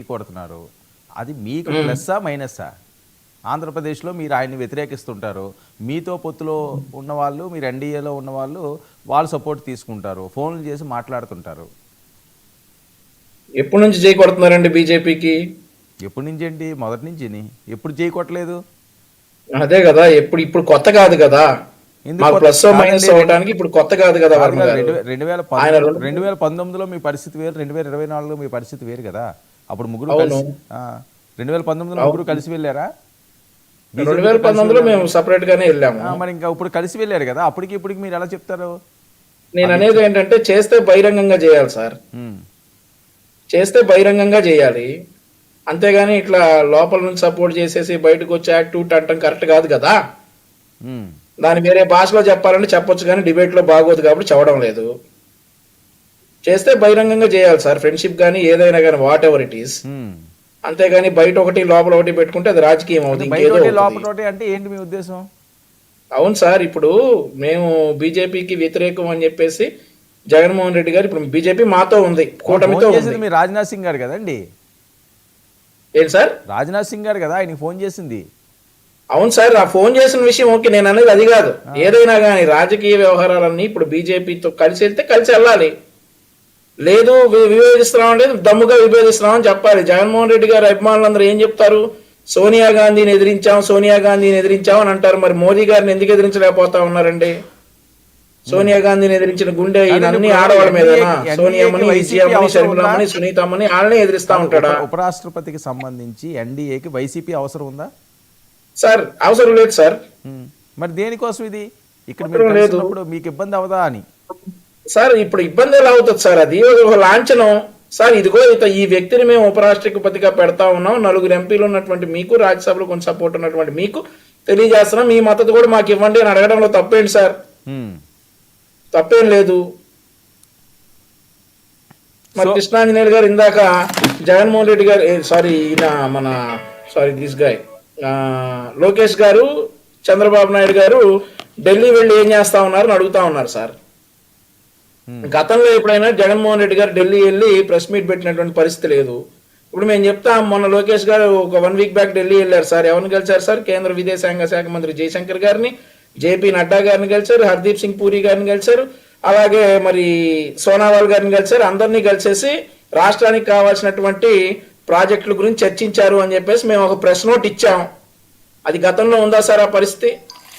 కొడుతున్నారు. అది మీకు ప్లస్సా మైనస్సా? ఆంధ్రప్రదేశ్లో మీరు ఆయన్ని వ్యతిరేకిస్తుంటారు, మీతో పొత్తులో ఉన్నవాళ్ళు, మీరు ఎన్డీఏలో ఉన్నవాళ్ళు వాళ్ళు సపోర్ట్ తీసుకుంటారు, ఫోన్లు చేసి మాట్లాడుతుంటారు. ఎప్పటి నుంచి జై కొడుతున్నారండి బీజేపీకి? ఎప్పటి నుంచి ఏంటి? మొదటి నుంచి ఎప్పుడు చేయకొట్టలేదు. అదే కదా, ఇప్పుడు కొత్త కాదు కదా, మాకు ప్లస్ మైనస్ అవడానికి ఇప్పుడు కొత్త కాదు కదా. 2019లో మీ పరిస్థితి వేరు, 2024లో మీ పరిస్థితి వేరు కదా. అప్పుడు ముగ్గురు కలిసి 2019లో ముగ్గురు కలిసి వెళ్ళారా? 2019లో మేము సపరేట్ గానే వెళ్ళాము. మరి ఇంకా ఇప్పుడు కలిసి వెళ్ళారు కదా, అప్పటికి ఇప్పటికి మీరు ఎలా చెప్తారు? నేను అనేది ఏంటంటే చేస్తే బహిరంగంగా చేయాలి సార్, చేస్తే బహిరంగంగా చేయాలి, అంతేగాని ఇట్లా లోపల నుంచి సపోర్ట్ చేసేసి బయటకు వచ్చి యాక్టివిటీ అంటాం కరెక్ట్ కాదు కదా. దాని వేరే భాషలో చెప్పాలంటే చెప్పొచ్చు, కానీ డిబేట్ లో బాగోదు కాబట్టి చెప్పడం లేదు. చేస్తే బహిరంగంగా చేయాలి సార్, ఫ్రెండ్షిప్ కానీ ఏదైనా కానీ వాట్ ఎవర్ ఇట్ ఈస్. అంతేగాని బయట ఒకటి లోపల ఒకటి పెట్టుకుంటే అది రాజకీయం అవుతుంది. అంటే ఏంటి మీ ఉద్దేశం? అవును సార్, ఇప్పుడు మేము బీజేపీకి వ్యతిరేకం అని చెప్పేసి జగన్మోహన్ రెడ్డి గారు, ఇప్పుడు బీజేపీ మాతో ఉంది, కూటమితో ఉంది. మీ రాజ్నాథ్ సింగ్ గారు కదండి? ఏంటి సార్? రాజ్నాథ్ సింగ్ గారు కదా ఆయనకి ఫోన్ చేసింది. అవును సార్, ఆ ఫోన్ చేసిన విషయం ఓకే, నేను అనేది అది కాదు. ఏదైనా కానీ రాజకీయ వ్యవహారాలన్నీ ఇప్పుడు బీజేపీతో కలిసి వెళ్తే కలిసి వెళ్ళాలి, లేదు విభేదిస్తున్నాం అంటే దమ్ముగా విభేదిస్తున్నాం అని చెప్పాలి. జగన్మోహన్ రెడ్డి గారు అభిమానులందరూ ఏం చెప్తారు? సోనియా గాంధీని ఎదిరించాం, సోనియా గాంధీని ఎదిరించాం అని అంటారు. మరి మోదీ గారిని ఎందుకు ఎదిరించలేకపోతా ఉన్నారండి? సోనియా గాంధీని ఎదిరించిన గుండె అన్ని ఆడవాళ్ళ మీద, సోనియామని, షర్మిలమ్మని, సునీతమ్మని వాళ్ళని ఎదిరిస్తా ఉంటాడా? ఉపరాష్ట్రపతికి సంబంధించి ఎన్డీఏకి వైసీపీ అవసరం ఉందా సార్? అవసరం లేదు సార్. మరి దేనికోసం ఇది? ఇక్కడ మీకు ఇబ్బంది అవదా అని సార్? ఇప్పుడు ఇబ్బంది ఎలా అవుతుంది సార్? అది ఒక లాంఛనం సార్. ఇదిగో ఈ వ్యక్తిని మేము ఉపరాష్ట్రపతిగా పెడతా ఉన్నాం, 4 ఎంపీలు ఉన్నటువంటి మీకు, రాజ్యసభలో కొంచెం సపోర్ట్ ఉన్నటువంటి మీకు తెలియజేస్తున్నాం, మీ మద్దతు కూడా మాకు ఇవ్వండి అని అడగడంలో తప్పేంటి సార్? తప్పేం లేదు. మరి కృష్ణాంజనేయులు గారు ఇందాక జగన్మోహన్ రెడ్డి గారు దిస్ గాయ్ లోకేష్ గారు, చంద్రబాబు నాయుడు గారు ఢిల్లీ వెళ్ళి ఏం చేస్తా ఉన్నారని అడుగుతా ఉన్నారు సార్. గతంలో ఎప్పుడైనా జగన్మోహన్ రెడ్డి గారు ఢిల్లీ వెళ్ళి ప్రెస్ మీట్ పెట్టినటువంటి పరిస్థితి లేదు. ఇప్పుడు మేము చెప్తాం, మొన్న లోకేష్ గారు ఒక 1 వీక్ బ్యాక్ ఢిల్లీ వెళ్ళారు సార్. ఎవరిని కలిసారు సార్? కేంద్ర విదేశాంగ శాఖ మంత్రి జయశంకర్ గారిని, జేపీ నడ్డా గారిని కలిసారు, హర్దీప్ సింగ్ పూరి గారిని కలిసారు, అలాగే మరి సోనావాల్ గారిని కలిసారు. అందరినీ కలిసేసి రాష్ట్రానికి కావాల్సినటువంటి ప్రాజెక్టుల గురించి చర్చించారు అని చెప్పేసి మేము ఒక ప్రెస్ నోట్ ఇచ్చాం. అది గతంలో ఉందా సార్ ఆ పరిస్థితి?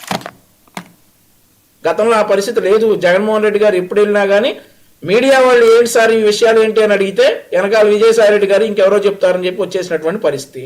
గతంలో ఆ పరిస్థితి లేదు. జగన్మోహన్ రెడ్డి గారు ఎప్పుడు వెళ్ళినా కానీ మీడియా వాళ్ళు ఏంటి సార్ ఈ విషయాలు ఏంటి అని అడిగితే వెనకాల విజయసాయి రెడ్డి గారు ఇంకెవరో చెప్తారని చెప్పి వచ్చేసినటువంటి పరిస్థితి.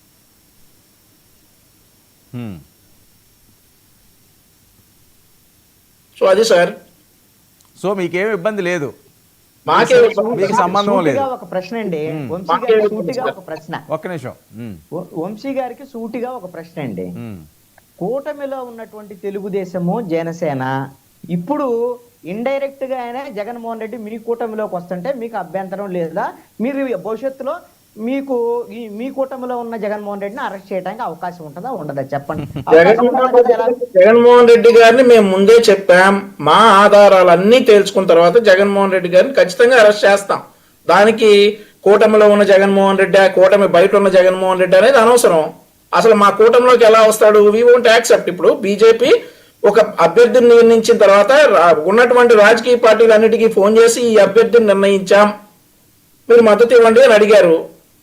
సో అది సార్. సో మీకేం ఇబ్బంది లేదు, మీకు సంబంధం లేదు. ఒక ప్రశ్న అండి, ఒక్క నిమిషం. వంశీ గారికి సూటిగా ఒక ప్రశ్న అండి. కూటమిలో ఉన్నటువంటి తెలుగుదేశము, జనసేన ఇప్పుడు ఇండైరెక్ట్ గా అయినా జగన్మోహన్ రెడ్డి మీ కూటమిలోకి వస్తుంటే మీకు అభ్యంతరం లేదా? మీరు భవిష్యత్తులో మీకు మీ కూటమిలో ఉన్న జగన్మోహన్ రెడ్డిని అరెస్ట్ చేయడానికి అవకాశం ఉంటుందా ఉండదా చెప్పండి. జగన్మోహన్ రెడ్డి గారిని మేము ముందే చెప్పాం, మా ఆధారాలన్నీ తేల్చుకున్న తర్వాత జగన్మోహన్ రెడ్డి గారిని ఖచ్చితంగా అరెస్ట్ చేస్తాం. దానికి కూటమిలో ఉన్న జగన్మోహన్ రెడ్డి, కూటమి బయట ఉన్న జగన్మోహన్ రెడ్డి అనేది అనవసరం. అసలు మా కూటమిలోకి ఎలా వస్తాడు? We won't accept. ఇప్పుడు బీజేపీ ఒక అభ్యర్థిని నిర్ణయించిన తర్వాత ఉన్నటువంటి రాజకీయ పార్టీలన్నిటికీ ఫోన్ చేసి ఈ అభ్యర్థిని నిర్ణయించాం, మీరు మద్దతు ఇవ్వండి అని అడిగారు.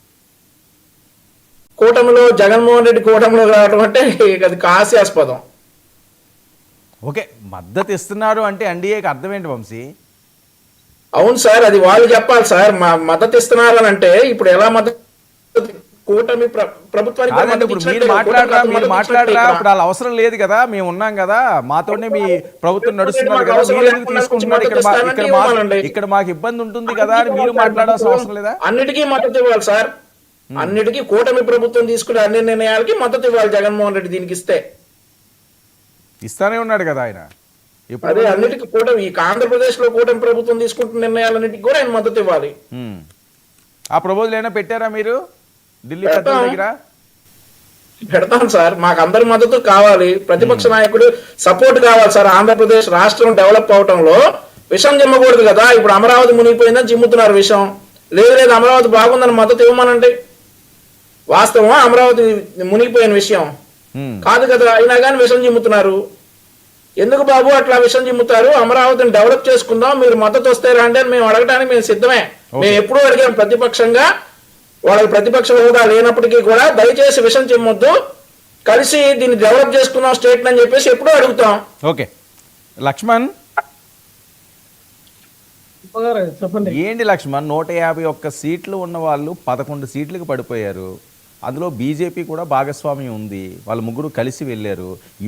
కూటమిలో జగన్మోహన్ రెడ్డి కూటమిలో రావడం అంటే అది హాస్యాస్పదం. ఓకే, మద్దతు ఇస్తున్నారు అంటే ఎన్డీఏకి అర్థం ఏంటి వంశీ? అవును సార్, అది వాళ్ళు చెప్పాలి సార్. మా మద్దతు ఇస్తున్నారు అని అంటే ఇప్పుడు ఎలా మద్దతు? కూటమి ప్రభుత్వానికి మాట్లాడరా? ఇప్పుడు వాళ్ళ అవసరం లేదు కదా, మేము ఉన్నాం కదా, మాతోనే మీ ప్రభుత్వం నడుస్తున్నారు కదా, మీరు ఎందుకు తీసుకుంటున్నారు? ఇక్కడ మాకు ఇబ్బంది ఉంటుంది కదా అని మీరు మాట్లాడాల్సిన అవసరం లేదా? అన్నిటికీ మద్దతు ఇవ్వాలి సార్, అన్నిటికీ కూటమి ప్రభుత్వం తీసుకునే అన్ని నిర్ణయాలకి మద్దతు ఇవ్వాలి జగన్మోహన్ రెడ్డి. దీనికి ఇస్తానే ఉన్నాడు కదా ఆయన. అదే అన్నిటికీ కూటమి, ఈ ఆంధ్రప్రదేశ్ లో కూటమి ప్రభుత్వం తీసుకుంటున్న నిర్ణయాలన్నిటికీ కూడా ఆయన మద్దతు ఇవ్వాలి. ఆ ప్రపోజల్ అయినా పెట్టారా మీరు ఢిల్లీ దగ్గర? పెడతాం సార్, మాకు అందరి మద్దతు కావాలి, ప్రతిపక్ష నాయకుడు సపోర్ట్ కావాలి సార్. ఆంధ్రప్రదేశ్ రాష్ట్రం డెవలప్ అవటంలో విషం జిమ్మకూడదు కదా. ఇప్పుడు అమరావతి మునిగిపోయిందని జిమ్ముతున్నారు విషం. లేదు అమరావతి బాగుందని మద్దతు ఇవ్వమనండి. వాస్తవం అమరావతి మునిగిపోయిన విషయం ఉమ్, కాదు కదా, అయినా కానీ విషం చిమ్ముతున్నారు. ఎందుకు బాబు అట్లా విషం చిమ్ముతారు? అమరావతిని డెవలప్ చేసుకుందాం, మీరు మద్దతు వస్తే రండి అని మేము అడగడానికి మేము సిద్ధమే. మేము ఎప్పుడూ అడిగాం ప్రతిపక్షంగా, వాళ్ళకి ప్రతిపక్ష హోదా లేనప్పటికీ కూడా దయచేసి విషం చిమ్మొద్దు, కలిసి దీన్ని డెవలప్ చేసుకుందాం స్టేట్ అని చెప్పేసి ఎప్పుడూ అడుగుతాం. ఓకే లక్ష్మణ్ చెప్పండి. ఏంటి లక్ష్మణ్ 151 సీట్లు ఉన్న వాళ్ళు 11 సీట్లకు పడిపోయారు. అందులో బీజేపీ కూడా భాగస్వామ్యం ఉంది, వాళ్ళు ముగ్గురు కలిసి వెళ్ళారు.